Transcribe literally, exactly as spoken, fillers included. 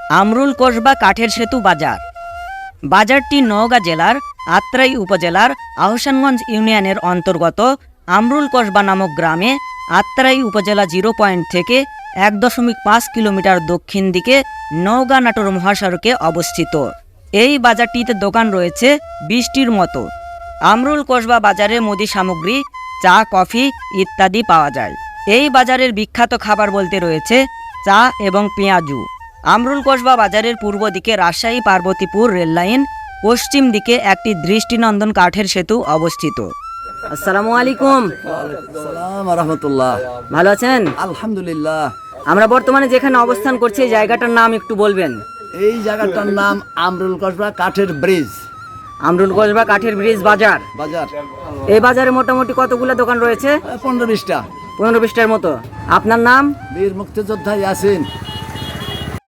আমরুল কসবা কাঠের সেতু বাজার। বাজারটি নওগাঁ জেলার আত্রাই উপজেলার আহসানগঞ্জ ইউনিয়নের অন্তর্গত আমরুল কসবা নামক গ্রামে আত্রাই উপজেলা জিরো পয়েন্ট থেকে এক দশমিক পাঁচ কিলোমিটার দক্ষিণ দিকে নওগাঁ নাটোর মহাসড়কে অবস্থিত। এই বাজারটিতে দোকান রয়েছে বিশটির মতো। আমরুল কসবা বাজারে মুদি সামগ্রী, চা, কফি ইত্যাদি পাওয়া যায়। এই বাজারের বিখ্যাত খাবার বলতে রয়েছে চা এবং পেঁয়াজু। আমরুল কসবা বাজারের পূর্ব দিকে রাজশাহী পার্বতীপুর রেললাইন, পশ্চিম দিকে একটি দৃষ্টিনন্দন কাঠের সেতু অবস্থিত। আসসালামু আলাইকুম। আসসালাম রাহমাতুল্লাহ। ভালো আছেন? আলহামদুলিল্লাহ। আমরা বর্তমানে যেখানে অবস্থান করছি এই জায়গাটার নাম একটু বলবেন? এই জায়গাটার নাম আমরুল কসবা কাঠের ব্রিজ আমরুল কসবা কাঠের ব্রিজ বাজার। বাজার। এই বাজারে মোটামুটি কতগুলো দোকান রয়েছে? পনেরো বিশটা পনেরো বিশটার মতো। আপনার নাম? বীর মুক্তিযোদ্ধা ইয়াসিন।